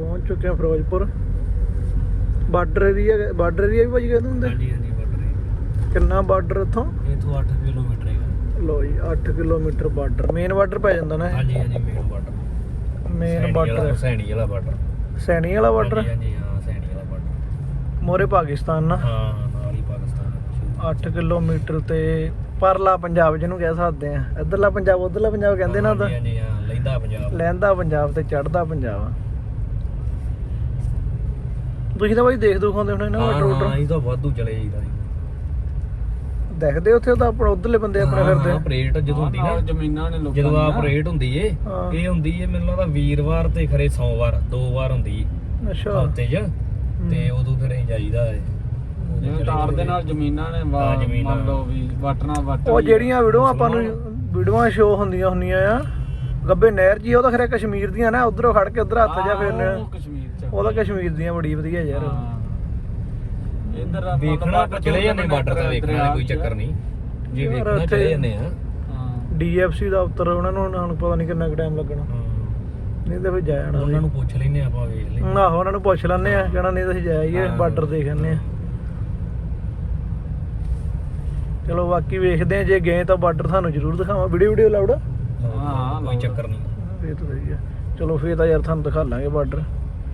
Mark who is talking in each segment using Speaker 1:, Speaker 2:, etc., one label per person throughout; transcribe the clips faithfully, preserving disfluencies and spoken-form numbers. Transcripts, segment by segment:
Speaker 1: ਪਹੁੰਚ ਚੁੱਕੇ ਹਾਂ Firozpur. Border area, border area ਵੀ ਭਾਜੀ ਕਹਿੰਦੇ ਹੁੰਦੇ?
Speaker 2: ਹਾਂਜੀ ਹਾਂਜੀ ਬਾਰਡਰ।
Speaker 1: ਕਿੰਨਾ ਬਾਰਡਰ ਇੱਥੋਂ?
Speaker 2: ਇੱਥੋਂ ਅੱਠ ਕਿਲੋਮੀਟਰ ਹੈਗਾ।
Speaker 1: ਲੋ ਜੀ ਅੱਠ ਕਿਲੋਮੀਟਰ ਬਾਰਡਰ, ਮੇਨ ਬਾਰਡਰ ਪੈ ਜਾਂਦਾ ਨਾ?
Speaker 2: ਹਾਂਜੀ ਹਾਂਜੀ main border,
Speaker 1: main border
Speaker 2: Saini Wala border.
Speaker 1: Saini Wala border?
Speaker 2: ਹਾਂਜੀ ਹਾਂ ਸੈਣੀ ਵਾਲਾ ਬਾਰਡਰ।
Speaker 1: ਮੋਰੇ ਪਾਕਿਸਤਾਨ ਨਾ?
Speaker 2: ਹਾਂ ਨਾਲ ਹੀ ਪਾਕਿਸਤਾਨ।
Speaker 1: ਅੱਠ ਕਿਲੋਮੀਟਰ ਤੇ ਪਰਲਾ ਪੰਜਾਬ ਜਿਹਨੂੰ ਕਹਿ ਸਕਦੇ ਆ। ਇੱਧਰਲਾ ਪੰਜਾਬ ਉੱਧਰਲਾ ਪੰਜਾਬ ਕਹਿੰਦੇ ਨਾ ਉਹਦਾ?
Speaker 2: ਹਾਂਜੀ ਹਾਂ ਲਹਿੰਦਾ ਪੰਜਾਬ।
Speaker 1: ਲਹਿੰਦਾ ਪੰਜਾਬ ਤੇ ਚੜ੍ਹਦਾ ਪੰਜਾਬ। ਤੁਸੀਂ ਤਾਂ ਬਾਈ ਦੇਖ ਦੁਖ ਆਉਂਦੇ ਹੋਣੇ ਨਾ ਬਾਰਡਰ ਬੂਡਰ?
Speaker 2: ਹਾਂ ਅਸੀਂ ਤਾਂ ਵਾਧੂ ਚਲੇ ਜਾਈਦਾ।
Speaker 1: ਦੇਖਦੇ ਉੱਥੇ ਤਾਂ ਆਪਣਾ ਉਧਰਲੇ ਬੰਦੇ ਆਪਣੇ ਫਿਰਦੇ।
Speaker 2: ਆਪਰੇਟ ਜਦੋਂ ਹੁੰਦੀ ਨਾ ਜ਼ਮੀਨਾਂ ਨੇ ਲੋਕਾਂ, ਜਦੋਂ ਆਪਰੇਟ ਹੁੰਦੀ ਏ ਇਹ ਹੁੰਦੀ ਏ ਮੈਨੂੰ ਲੱਗਦਾ ਵੀਰਵਾਰ ਤੇ ਖਰੇ ਸੋਮਵਾਰ ਦੋ ਵਾਰ ਹੁੰਦੀ ਏ
Speaker 1: ਅੱਛਾ
Speaker 2: ਹਫ਼ਤੇ 'ਚ। ਤੇ ਉਦੋਂ ਫਿਰ ਅਸੀਂ ਜਾਈਦਾ ਏ ਜਿਵੇਂ ਤਾਰ ਦੇ ਨਾਲ ਜ਼ਮੀਨਾਂ ਨੇ ਮੰਨ ਲਓ ਵੀ ਵਟਣਾ ਵਟ।
Speaker 1: ਉਹ ਜਿਹੜੀਆਂ ਵੀਡੀਓ ਆਪਾਂ ਨੂੰ ਵੀਡੀਓਆਂ ਸ਼ੋ ਹੁੰਦੀਆਂ ਹੁੰਦੀਆਂ ਆ ਗੱਬੇ ਨਹਿਰ ਜੀ, ਉਹ ਤਾਂ ਖਰੇ ਕਸ਼ਮੀਰ ਦੀਆਂ ਨਾ, ਉਧਰੋਂ ਖੜ ਕੇ ਉਧਰ ਹੱਥ ਜਾ ਫੇਰਨੇ। ਉਹ ਤਾਂ ਕਸ਼ਮੀਰ ਦੀਆਂ ਬੜੀ ਵਧੀਆ ਯਾਰ।
Speaker 2: ਇੱਧਰ ਵੇਖਣਾ ਚਲੇ ਜਾਂਦੇ ਬਾਰਡਰ ਤੇ, ਵੇਖਣਾ ਕੋਈ ਚੱਕਰ ਨਹੀਂ ਜੇ ਵੇਖਣਾ ਚਲੇ ਜਾਂਦੇ ਆ।
Speaker 1: ਡੀ ਐਫ ਸੀ ਦਫ਼ਤਰ ਉਹਨਾਂ ਨੂੰ ਹੁਣ ਪਤਾ ਨਹੀਂ ਕਿੰਨਾ ਕੁ ਟਾਈਮ ਲੱਗਣਾ, ਨਹੀਂ ਤਾਂ ਫਿਰ ਜਾ ਜਾਣਾ।
Speaker 2: ਉਹਨਾਂ ਨੂੰ ਪੁੱਛ ਲੈਨੇ ਆਪਾਂ, ਵੇਖ ਲੈਂਦੇ।
Speaker 1: ਆਹੋ ਉਹਨਾਂ ਨੂੰ ਪੁੱਛ ਲੈਂਦੇ ਆ, ਕਹਿਣਾ ਨਹੀਂ ਤਾਂ ਅਸੀਂ ਜਾਈਏ ਬਾਰਡਰ ਦੇਖ ਆਉਂਦੇ ਆ। ਚਲੋ ਬਾਕੀ ਵੇਖਦੇ ਆ, ਜੇ ਗਏ ਤਾਂ ਬਾਰਡਰ ਤੁਹਾਨੂੰ ਜ਼ਰੂਰ ਦਿਖਾਵਾਂ। Video video loud?
Speaker 2: ਹਾਂ ਕੋਈ ਚੱਕਰ ਨਹੀਂ।
Speaker 1: ਇਹ ਤਾਂ ਸਹੀ ਆ। ਚਲੋ ਫੇਰ ਤਾਂ ਯਾਰ ਤੁਹਾਨੂੰ ਦਿਖਾ ਲਾਂਗੇ ਬਾਰਡਰ।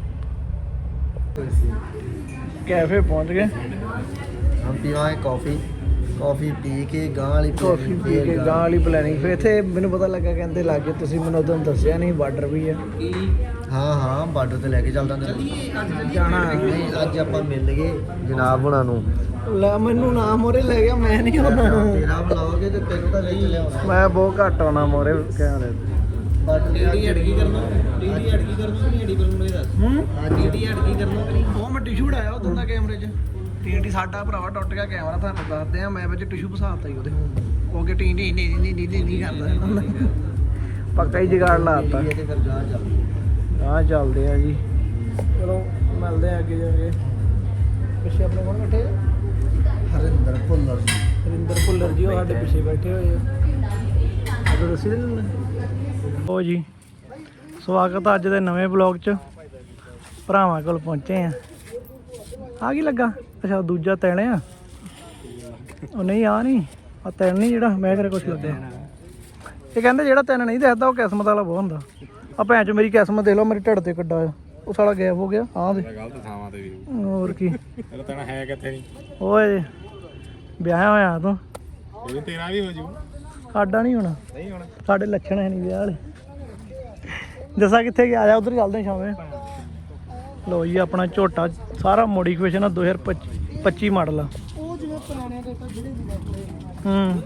Speaker 1: ਕੈਫੇ ਪਹੁੰਚ ਗਏ।
Speaker 3: हम पीवाएं कॉफ़ी कॉफ़ी पी के गां वाली
Speaker 1: ਕਾਫੀ ਪੀ ਕੇ ਗਾਂ ਵਾਲੀ ਪਲੈਨਿੰਗ। ਫਿਰ ਇੱਥੇ ਮੈਨੂੰ ਪਤਾ ਲੱਗਾ ਕਹਿੰਦੇ ਲਾਗੇ, ਤੁਸੀਂ ਮੈਨੂੰ ਉਦੋਂ ਦੱਸਿਆ ਨਹੀਂ ਬਾਰਡਰ ਵੀ ਆ।
Speaker 3: हाँ हाँ बार्डर ते लेके चलदा
Speaker 1: ਜਾਣਾ
Speaker 3: नहीं अज आपां मिल गए जनाब हुणां नूं।
Speaker 1: ਲੈ ਮੈਨੂੰ ਨਾ ਮੋਰੇ ਲੈ ਗਿਆ, ਮੈਂ ਨਹੀਂ ਆਉਣਾ।
Speaker 3: तेरा बुलाओगे ते तेनू तां ले चले आउणा।
Speaker 1: ਮੈਂ ਬਹੁਤ ਘੱਟ ਆਉਣਾ ਮੋਰੇ ਕਹਿੰਦੇ।
Speaker 3: बार्डर डी डी अड़की करना डी डी अड़की करना नहीं अड़ी करना मेरे दस।
Speaker 1: ਹੂੰ
Speaker 3: हां डी डी अड़की करना करी।
Speaker 1: ਉਹ ਮੈਂ ਟਿਸ਼ੂ ਉਡਾਇਆ ਉਦੋਂ ਦਾ ਕੈਮਰੇ 'ਚ। ਟੀ ਟੀ ਸਾਡਾ ਭਰਾਵਾ ਟੁੱਟ ਗਿਆ ਕੈਮਰਾ, ਤੁਹਾਨੂੰ ਦੱਸਦੇ ਆ। ਮੈਂ ਵਿੱਚ ਟਿਸ਼ੂ ਫਸਾਤਾ ਹੀ ਉਹਦੇ, ਉਹ ਕਿ ਟੀ ਨਹੀਂ ਨਹੀਂ ਨਹੀਂ ਨਹੀਂ ਨਹੀਂ ਕਰਦਾ, ਪੱਕਾ ਹੀ ਜਗਾੜ ਲਾਤਾ।
Speaker 3: ते फिर गां चल
Speaker 1: ਆ ਚੱਲਦੇ ਆ ਜੀ। ਚਲੋ ਮਿਲਦੇ ਆ ਅੱਗੇ ਜਾ ਕੇ। ਪਿੱਛੇ ਆਪਣੇ ਕੋਲ ਬੈਠੇ
Speaker 3: हरिंदर भुल्लर जी।
Speaker 1: ਹਰਿੰਦਰ ਭੁੱਲਰ ਜੀ, ਉਹ ਸਾਡੇ ਪਿੱਛੇ ਬੈਠੇ ਹੋਏ ਆ। ਅਦੋਂ ਦੱਸੀ ਦਿੰਦੇ ਉਹ ਜੀ। ਸਵਾਗਤ ਆ ਅੱਜ ਦੇ ਨਵੇਂ ਬਲੌਗ 'ਚ। ਭਰਾਵਾਂ ਕੋਲ ਪਹੁੰਚੇ ਆ। ਆ ਕੀ ਲੱਗਾ? ਅੱਛਾ ਦੂਜਾ ਤੈਣੇ ਆ। ਉਹ ਨਹੀਂ ਆ ਨਹੀਂ ਆ ਤੈਨ ਨਹੀਂ, ਜਿਹੜਾ ਮੈਂ ਫਿਰ ਕੁਛ ਲੱਗਿਆ। ਇਹ ਕਹਿੰਦੇ ਜਿਹੜਾ ਤੈਨ ਨਹੀਂ ਦਿਖਦਾ ਉਹ ਕਿਸਮਤ ਵਾਲਾ ਬਹੁਤ ਹੁੰਦਾ। ਆ ਭੈਣ ਚ ਮੇਰੀ ਕਿਸਮਤ ਦੇਖ ਲਓ, ਮੇਰੇ ਢਿੱਡ ਤੇ ਕੱਡਾ ਆ। ਉਹ ਸਾਲਾ ਗਾਇਬ ਹੋ ਗਿਆ। ਹਾਂ ਦੇ
Speaker 2: ਗਲਤ ਥਾਵਾਂ ਤੇ ਵੀ
Speaker 1: ਹੋਰ ਕੀ।
Speaker 2: ਇਹ ਤਾਂ ਹੈ ਕਿੱਥੇ ਨਹੀਂ।
Speaker 1: ਓਏ ਵਿਆਹ ਹੋਇਆ ਤੂੰ?
Speaker 2: ਇਹ ਤੇਰਾ ਵੀ ਹੋ ਜੂ।
Speaker 1: ਸਾਡਾ ਨਹੀਂ ਹੋਣਾ,
Speaker 2: ਨਹੀਂ ਹੋਣਾ।
Speaker 1: ਸਾਡੇ ਲੱਛਣ ਹੈ ਨਹੀਂ ਵਿਆਹ ਵਾਲੇ। ਜੱਸਾ ਕਿੱਥੇ ਗਿਆ? ਆ ਜਾ ਉਧਰ ਚੱਲਦੇ ਸ਼ਾਮੇ। ਲੋ ਜੀ ਆਪਣਾ ਝੋਟਾ ਸਾਰਾ ਮੋਡੀਫਿਕੇਸ਼ਨ ਆ, ਦੋ ਹਜ਼ਾਰ ਪੱਚੀ ਮਾਡਲ ਆ। ਉਹ ਜਿਵੇਂ ਪੁਰਾਣੇ ਜਿਹੜੇ ਹੂੰ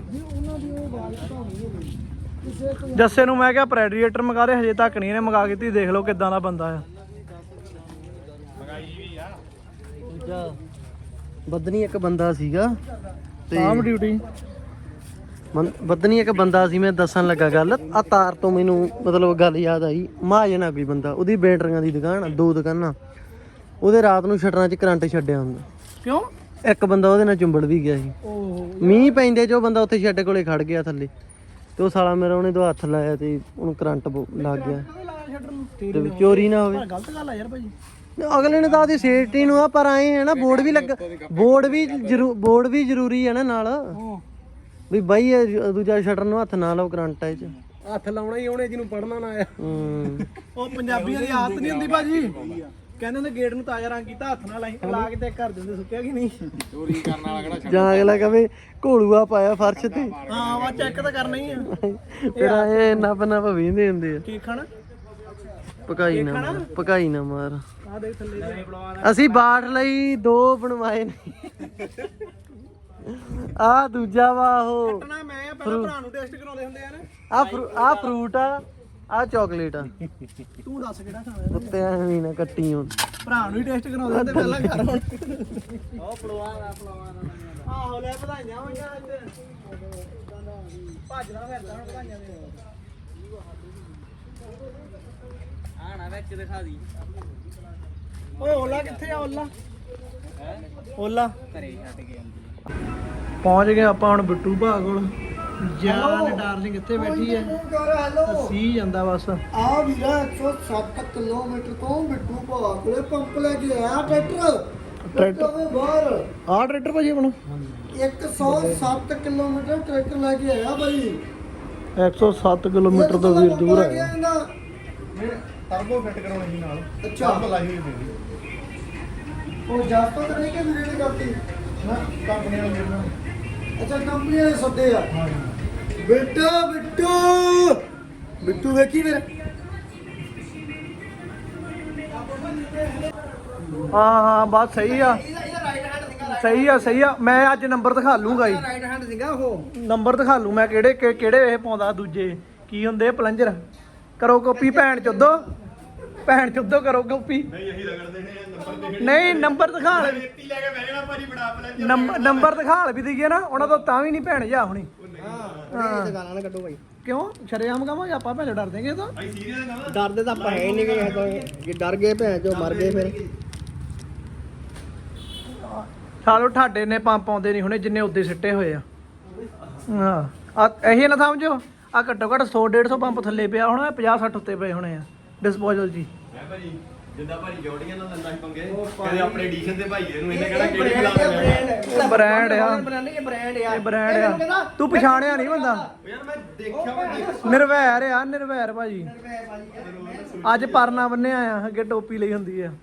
Speaker 1: ਜੱਸੇ ਨੂੰ ਮੈਂ ਕਿਹਾ ਪ੍ਰੈਡੀਏਟਰ ਮੰਗਾ ਦੇ, ਹਜੇ ਤੱਕ ਨਹੀਂ ਇਹਨੇ ਮੰਗਾ ਕੇ। ਤੁਸੀਂ ਦੇਖ ਲਓ ਕਿੱਦਾਂ ਦਾ ਬੰਦਾ ਆ।
Speaker 3: ਦੂਜਾ ਬਦਨੀ ਇੱਕ ਬੰਦਾ ਸੀਗਾ
Speaker 1: ਆਮ ਡਿਊਟੀ
Speaker 3: ਬਦਨੀ ਇੱਕ ਬੰਦਾ ਸੀ। ਮੈਂ ਦੱਸਣ ਲੱਗਾ ਗੱਲ ਆ ਤਾਰ ਤੋਂ ਮੈਨੂੰ ਮਤਲਬ ਗੱਲ ਯਾਦ ਆਈ। ਮਹਾਜਨ ਆ ਕੋਈ ਬੰਦਾ, ਉਹਦੀ ਬੈਟਰੀਆਂ ਦੀ ਦੁਕਾਨ, ਦੋ ਦੁਕਾਨਾਂ। ਉਹਦੇ ਰਾਤ ਨੂੰ ਸ਼ਟਰਾਂ 'ਚ ਕਰੰਟ ਛੱਡਿਆ ਹੁੰਦਾ।
Speaker 1: ਕਿਉਂ?
Speaker 3: ਇੱਕ ਬੰਦਾ ਉਹਦੇ ਨਾਲ ਚੁੰਬੜ ਵੀ ਗਿਆ ਸੀ। ਮੀਂਹ ਪੈਂਦੇ ਜੋ ਬੰਦਾ ਉੱਥੇ ਸ਼ੈੱਡ ਕੋਲੇ ਖੜ ਗਿਆ ਥੱਲੇ, ਤੇ ਉਹ ਸਾਲਾ ਮੇਰਾ ਉਹਨੇ ਦੋ ਹੱਥ ਲਾਇਆ ਤੇ ਉਹਨੂੰ ਕਰੰਟ ਲੱਗ ਗਿਆ। ਤੇ ਚੋਰੀ ਨਾ ਹੋਵੇ।
Speaker 1: ਗਲਤ ਗੱਲ ਆ ਯਾਰ ਭਾਜੀ।
Speaker 3: ਅਗਲੇ ਨੇ ਤਾਂ ਉਹਦੀ ਸੇਫਟੀ ਨੂੰ ਆ, ਪਰ ਆਏ ਹੈ ਨਾ ਬੋਰਡ ਵੀ ਲੱਗਾ, ਬੋਰਡ ਵੀ ਜ਼ਰੂ ਬੋਰਡ ਵੀ ਜ਼ਰੂਰੀ ਹੈ ਨਾ ਨਾਲ ਵੀ ਬਾਈ ਇਹ ਦੂਜਾ ਸ਼ਟਰ ਨੂੰ ਹੱਥ ਨਾ ਲਾਓ ਕਰੰਟ ਇਹ 'ਚ।
Speaker 1: ਹੱਥ ਲਾਉਣਾ ਹੀ ਉਹਨੇ ਜਿਹਨੂੰ ਪੜਨਾ ਨਾ ਆਇਆ।
Speaker 3: ਹੂੰ
Speaker 1: ਉਹ ਪੰਜਾਬੀਆਂ ਦੀ ਆਦਤ ਨਹੀਂ ਹੁੰਦੀ ਭਾਜੀ। ਕਹਿੰਦੇ ਹੁੰਦੇ ਗੇਟ ਨੂੰ ਤਾਜ਼ਾ ਰੰਗ ਕੀਤਾ, ਹੱਥ ਨਾਲ ਲਾਈ ਲਾ ਕੇ ਤੇ ਕਰ ਦਿੰਦੇ, ਸੁੱਕਿਆ ਕਿ ਨਹੀਂ। ਚੋਰੀ ਕਰਨ ਵਾਲਾ ਕਿਹੜਾ
Speaker 3: ਜਾਂ ਅਗਲਾ ਕਵੇ ਘੋਲੂਆ ਪਾਇਆ ਫਰਸ਼ ਤੇ।
Speaker 1: ਹਾਂ ਵਾ ਚੈੱਕ ਤਾਂ ਕਰਨਾ ਹੀ ਆ।
Speaker 3: ਫਿਰ ਇਹ ਨੱਪ ਨੱਪ ਵੀਂਦੇ ਹੁੰਦੇ ਆ।
Speaker 1: ਕੀ ਖਾਣਾ?
Speaker 3: ਪਕਾਈ ਨਾ ਮਾਰ, ਪਕਾਈ ਨਾ ਮਾਰ।
Speaker 1: ਆ ਦੇਖ ਥੱਲੇ
Speaker 3: ਅਸੀਂ ਬਾਠ ਲਈ ਦੋ ਬਣਵਾਏ ਨੇ। ਆ ਦੂਜਾ ਵਾ ਉਹ
Speaker 1: ਕੱਟਣਾ ਮੈਂ ਆ, ਪਹਿਲਾਂ ਭਰਾ ਨੂੰ ਟੈਸਟ ਕਰਾਉਂਦੇ ਹੁੰਦੇ ਆ ਨਾ।
Speaker 3: ਆ ਆ ਫਰੂਟ ਆ, ਆ ਚਾਕਲੇਟ ਆ।
Speaker 1: ਤੂੰ ਦੱਸ ਕਿਹੜਾ ਖਾਣਾ?
Speaker 3: ਉੱਤੇ ਐਵੇਂ ਨਾ ਕੱਟੀ ਹੁਣ।
Speaker 1: ਭਰਾ ਨੂੰ ਹੀ ਟੈਸਟ ਕਰਾਉਂਦੇ ਹੁੰਦੇ ਪਹਿਲਾਂ ਘਰ ਹੁਣ। ਉਹ ਪਲਵਾਨ ਆ ਪਲਵਾਨ ਆ। ਆਹੋ ਲੈ ਵਧਾਈਆਂ ਹੋਈਆਂ ਅੱਜ। ਭੱਜਦਾ ਫਿਰਦਾ ਹੁਣ ਵਧਾਈਆਂ ਦੇ।
Speaker 3: ਆਣਾ ਵਿੱਚ ਦਿਖਾ ਦੀ।
Speaker 1: ਓਏ ਓਲਾ ਕਿੱਥੇ ਆ? ਓਲਾ ਓਲਾ
Speaker 3: ਘਰੇ ਛੱਡ ਕੇ
Speaker 1: ਪਹੁੰਚ ਗਏ ਆਪਾਂ ਹੁਣ ਬਿੱਟੂ ਭਾ ਕੋਲ। ਜਾਨ ਡਾਰਲਿੰਗ ਇੱਥੇ ਬੈਠੀ ਹੈ, ਸੀ ਜਾਂਦਾ ਬਸ।
Speaker 3: ਆ ਵੀਰਾ ਇੱਕ ਸੌ ਸੱਤ ਕਿਲੋਮੀਟਰ ਤੋਂ ਬਿੱਟੂ ਭਾ ਕੋਲੇ ਪੰਪ ਲੈ ਕੇ ਆਇਆ ਟਰੈਕਟਰ
Speaker 1: ਟਰੈਕਟਰ
Speaker 3: ਦੇ ਬਾਹਰ
Speaker 1: ਆਹ ਟਰੈਕਟਰ ਭਾਜੀ ਆਪਣਾ
Speaker 3: ਇੱਕ ਸੌ ਸੱਤ ਕਿਲੋਮੀਟਰ ਟਰੈਕਟਰ ਲੈ ਕੇ ਆਇਆ ਬਾਈ
Speaker 1: ਇੱਕ ਸੌ ਸੱਤ ਕਿਲੋਮੀਟਰ ਤੋਂ ਵੀਰ ਦੂਰ ਹੈ
Speaker 3: ਟਰਬੋ ਫਿੱਟ ਕਰਾਉਣੀ ਸੀ ਨਾਲ ਅੱਛਾ ਟਰਬੋ ਲਾਈ ਹੋਈ ਸੀ ਉਹ ਜਾਸਤਾ ਤਾਂ ਨਹੀਂ ਕਿ ਵੀਰੇ ਨੇ ਕਰਤੀ ਨਾ ਕੰਪਨੀ ਵਾਲੇ ਵੀਰੇ ਅੱਛਾ ਕੰਪਨੀ ਵਾਲੇ ਸੱਦੇ ਆ ਹਾਂ ਬੇਟਾ ਬਿੱਟੂ ਬਿੱਟੂ ਵੇਖੀ ਮੇਰੇ
Speaker 1: ਹਾਂ ਹਾਂ ਬਸ ਸਹੀ ਆ ਸਹੀ ਆ ਸਹੀ ਆ ਮੈਂ ਅੱਜ ਨੰਬਰ ਦਿਖਾ ਲੂੰਗਾ ਜੀ
Speaker 3: ਰਾਈਟ ਹੈਂਡ ਸੀਗਾ ਉਹ
Speaker 1: ਨੰਬਰ ਦਿਖਾ ਲੂ ਮੈਂ ਕਿਹੜੇ ਕਿ- ਕਿਹੜੇ ਇਹ ਪਾਉਂਦਾ ਦੂਜੇ ਕੀ ਹੁੰਦੇ ਪਲੰਜਰ ਕਰੋ ਕਾਪੀ ਭੈਣ ਚੋਦੋ ਭੈਣ ਚੋਦੋ ਕਰੋ ਕਾਪੀ
Speaker 4: ਨਹੀਂ ਅਸੀਂ ਰਗੜਦੇ ਨੇ ਨੰਬਰ ਦੇ
Speaker 1: ਨਹੀਂ ਨੰਬਰ ਦਿਖਾ ਲੈ
Speaker 4: ਰੇਤੀ ਲੈ ਕੇ ਬਹਿ ਜਾਣਾ ਭਾਜੀ ਬਣਾ ਪਲੰਜਰ
Speaker 1: ਨੰਬਰ ਨੰਬਰ ਦਿਖਾ ਲੈ ਵੀ ਦਈਏ ਨਾ ਉਹਨਾਂ ਤੋਂ ਤਾਂ ਵੀ ਨਹੀਂ ਭੈਣ ਜਾ ਹੁਣੀ
Speaker 3: ਹਾਂ ਇਹ ਗਾਲਾਂ ਨਾ ਕੱਢੋ ਬਾਈ
Speaker 1: ਕਿਉਂ ਸ਼ਰੇਆਮ ਕਹਾਂਗੇ ਆਪਾਂ ਭੈਣ ਡਰ ਦੇਂਗੇ ਤਾਂ
Speaker 4: ਅਸੀਂ ਸੀਰੀਅਸ ਨਾ
Speaker 3: ਡਰਦੇ ਤਾਂ ਆਪਾਂ ਹੈ ਹੀ ਨਹੀਂ ਗਏ ਤਾਂ ਜੇ ਡਰ ਗਏ ਭੈਣ ਚੋ ਮਰ ਗਏ ਫਿਰ
Speaker 1: ਸਾਲੋ ਠਾਡੇ ਨੇ ਪੰਪ ਆਉਂਦੇ ਨਹੀਂ ਹੁਣੇ ਜਿੰਨੇ ਉੱਦੇ ਸਿੱਟੇ ਹੋਏ ਆ ਹਾਂ ਆ ਇਹੀ ਨਾ ਸਮਝੋ ਆ ਘੱਟੋ ਘੱਟ ਸੌ ਡੇਢ ਸੌ ਪੰਪ ਥੱਲੇ ਪਿਆ ਹੋਣਾ ਪੰਜਾਹ ਸੱਠ ਉੱਤੇ ਪਏ ਹੋਣੇ ਆ ਡਿਸਪੋਜ਼ਲ ਜੀ
Speaker 4: ਮੈਂ ਭਾਜੀ ਜਿੱਦਾਂ ਭਾਜੀ ਜੋੜੀਆਂ ਨਾਲ ਲੰਦਾ ਪੰਗੇ ਕਹਿੰਦੇ ਆਪਣੇ ਐਡੀਸ਼ਨ ਦੇ ਭਾਈ ਇਹਨੂੰ ਇਹਨੇ ਕਿਹੜਾ ਕਿਹੜੀ ਬੁਲਾ ਲਿਆ
Speaker 1: ਬ੍ਰਾਂਡ ਆ
Speaker 3: ਬ੍ਰਾਂਡ ਇਹ ਬ੍ਰਾਂਡ ਆ
Speaker 1: ਇਹ ਬ੍ਰਾਂਡ ਆ ਤੂੰ ਪਛਾਣਿਆ ਨਹੀਂ ਬੰਦਾ
Speaker 4: ਯਾਰ ਮੈਂ ਦੇਖਿਆ ਵਾ
Speaker 1: ਨਿਰਵੈਰ ਆ ਨਿਰਵੈਰ ਭਾਜੀ ਅੱਜ ਪਰਨਾ ਬੰਨਿਆ ਆ ਅੱਗੇ ਟੋਪੀ ਲਈ ਹੁੰਦੀ ਆ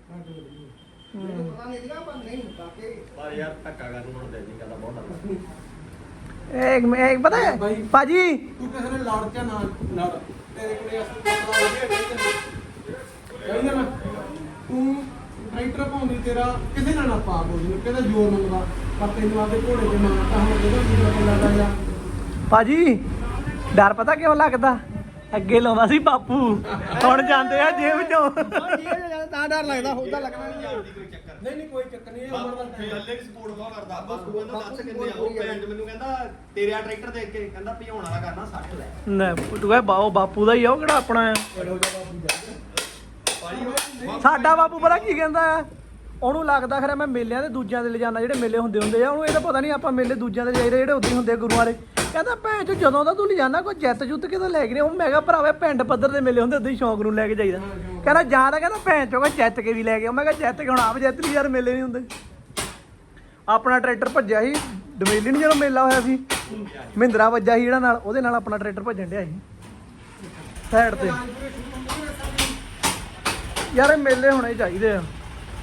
Speaker 4: ਪਰ ਯਾਰ ਧੱਕਾ ਕਰਨ ਹੁਣ ਦੇ ਦੀ ਗੱਲ ਬਹੁਤ
Speaker 1: ਇੱਕ ਇੱਕ ਪਤਾ ਹੈ ਭਾਜੀ
Speaker 5: ਤੂੰ ਕਿਸੇ ਨੇ ਲੜ ਕੇ ਨਾ ਲੜ ਤੇਰੇ ਕੋਲੇ ਅਸਲ ਕਹਿੰਦਾ ਨਾ ਤੂੰ ਟਰੈਕਟਰ ਪਾਉਂਦੀ ਤੇਰਾ ਕਿਸੇ ਨਾਲ ਨਾ ਪਾ ਬੋਲੀ ਕਿਹਦਾ ਜ਼ੋਰ ਮੰਗਦਾ ਪਰ ਤੈਨੂੰ ਆਪਦੇ ਘੋੜੇ ਤੇ ਮਾਰਤਾ ਹੁਣ ਜਿਹੜਾ ਦੂਜਾ ਕੋਲ ਲੜਾ ਜਾ
Speaker 1: ਭਾਜੀ ਡਰ ਪਤਾ ਕਿਉਂ ਲੱਗਦਾ ਅੱਗੇ ਲਾਉਂਦਾ ਸੀ ਬਾਪੂ ਹੁਣ ਜਾਂਦੇ ਆ ਜੇਬ ਚੋਂ
Speaker 3: ਤਾਂ ਡਰ ਲੱਗਦਾ ਹੁੰਦਾ ਲੱਗਣਾ ਨਹੀਂ ਆ
Speaker 5: ਨਹੀਂ ਨਹੀਂ ਕੋਈ ਚੱਕਰ ਨਹੀਂ ਇਹ ਉਮਰ ਦਾ
Speaker 4: ਫੇ ਹੱਲੇ ਵੀ ਸਪੋਰਟ ਬਹੁਤ ਕਰਦਾ ਬਸ ਤੂੰ ਕਹਿੰਦਾ ਦੱਸ ਕਿੰਨੇ ਆ ਉਹ ਭੈਣ ਮੈਨੂੰ ਕਹਿੰਦਾ ਤੇਰੇ ਆ ਟਰੈਕਟਰ ਦੇਖ ਕੇ ਕਹਿੰਦਾ ਭਜਾਉਣ ਵਾਲਾ ਕਰਨਾ ਸੱਠ ਲੈ
Speaker 1: ਨਾ ਤੂੰ ਕਹੇ ਬਾਓ ਬਾਪੂ ਦਾ ਹੀ ਆ ਉਹ ਕਿਹੜਾ ਆਪਣਾ ਆ
Speaker 4: ਭਾਜੀ ਉਹ
Speaker 1: ਸਾਡਾ ਬਾਪੂ ਪਤਾ ਕੀ ਕਹਿੰਦਾ ਆ ਉਹਨੂੰ ਲੱਗਦਾ ਖਰੇ ਮੈਂ ਮੇਲਿਆਂ ਦੇ ਦੂਜਿਆਂ ਦੇ ਲਿਜਾਣਾ ਜਿਹੜੇ ਮੇਲੇ ਹੁੰਦੇ ਹੁੰਦੇ ਆ ਉਹਨੂੰ ਇਹਦਾ ਪਤਾ ਨਹੀਂ ਆਪਾਂ ਮੇਲੇ ਦੂਜਿਆਂ ਦੇ ਜਾਈਦੇ ਜਿਹੜੇ ਉੱਦੇ ਹੁੰਦੇ ਆ ਗੁਰੂਆਂ ਦੇ ਕਹਿੰਦਾ ਭੈਣ ਚੋ ਜਦੋਂ ਦਾ ਤੂੰ ਲਿਜਾਣਾ ਕੋਈ ਜਿੱਤ ਜੁੱਤ ਕਿਤੇ ਲੈ ਕੇ ਨਹੀਂ ਉਹ ਮੈਂ ਕਿਹਾ ਭਰਾਵੇ ਪਿੰਡ ਪੱਧਰ ਦੇ ਮੇਲੇ ਹੁੰਦੇ ਉਦੋਂ ਹੀ ਸ਼ੌਂਕ ਨੂੰ ਲੈ ਕੇ ਜਾਈਦਾ ਕਹਿੰਦਾ ਜਾਂ ਤਾਂ ਕਹਿੰਦਾ ਭੈਣ ਚੋ ਕੋਈ ਜਿੱਤ ਕੇ ਵੀ ਲੈ ਕੇ ਆਓ ਮੈਂ ਕਿਹਾ ਜਿੱਤ ਕੇ ਹੁਣ ਆਪ ਜਿੱਤ ਲਈ ਯਾਰ ਮੇਲੇ ਨਹੀਂ ਹੁੰਦੇ ਆਪਣਾ ਟਰੈਕਟਰ ਭੱਜਿਆ ਸੀ ਡਮੇਲੀ ਨਹੀਂ ਜਦੋਂ ਮੇਲਾ ਹੋਇਆ ਸੀ ਮਹਿੰਦਰਾ ਵੱਜਾ ਸੀ ਜਿਹੜਾ ਨਾਲ ਉਹਦੇ ਨਾਲ ਆਪਣਾ ਟਰੈਕਟਰ ਭੱਜਣ ਡਿਆ ਸੀ ਸਾਈਡ ਤੇ ਯਾਰ ਇਹ ਮੇਲੇ ਹੋਣੇ ਚਾਹੀਦੇ ਆ